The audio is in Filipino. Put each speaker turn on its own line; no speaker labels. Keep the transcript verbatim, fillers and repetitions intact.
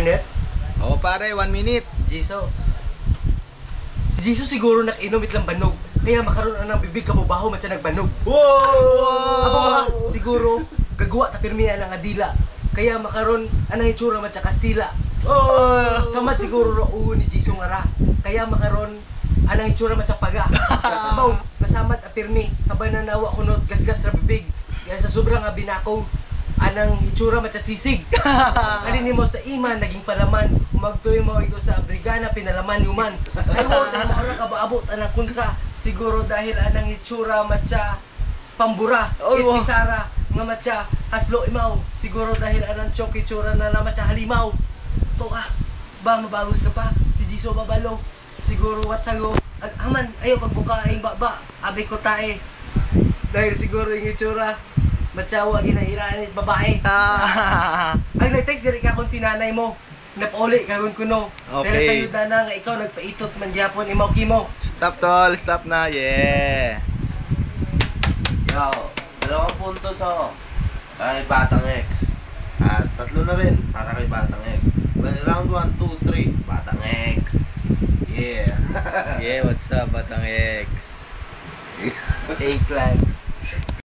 internet?
Oo pare, one minute.
Si Jiso. Si Jiso siguro nakinom itlang banog. Kaya makaroon ang bibig kabubaho man siya nagbanog.
Wow!
Abo nga, siguro gagawa ta pirmiya ng adila. Kaya makaroon anang itsura man siya Kastila.
Oh!
Samad siguro ro uho ni Jiso nga ra. Kaya makaroon anang itsura man siya Paga. Abaw, nasamad a pirmi. Habang nanawa kunot gasgas ra bibig. Kaya sa sobrang nga binakaw, anang itsura man siya Sisig. Alin mo sa iman naging palaman. Umagtoy mo ito sa brigana pinalaman yuman. Ay mo dahil makara ka baabot anang kontra. Siguro dahil anang itsura matcha pambura,
Oh, wow.
itpisara nga matcha haslo imaw. Siguro dahil anang chok itsura na na matcha halimaw. To ah, ba mabagos ka pa? Si Jiso babalo. Siguro what sago? Ag aman ayo pagbuka ay baba. Abi ko tae. Dahil siguro yung itsura matchawa ginairaan babae.
Ah.
Ang nag-text diri ka kung si nanay mo. Napauli kagon kuno. Pero
Okay.
sa yuda na nga ikaw nagpaitot man gyapon imaw kimo.
Stop tol, stop na. Yeah.
Yo, dalawang puntos ako. Para kay Batang X. At tatlo na rin para kay Batang X. Well, round one, two, three, Batang X. Yeah.
Yeah, what's up, Batang X?
Eggplant.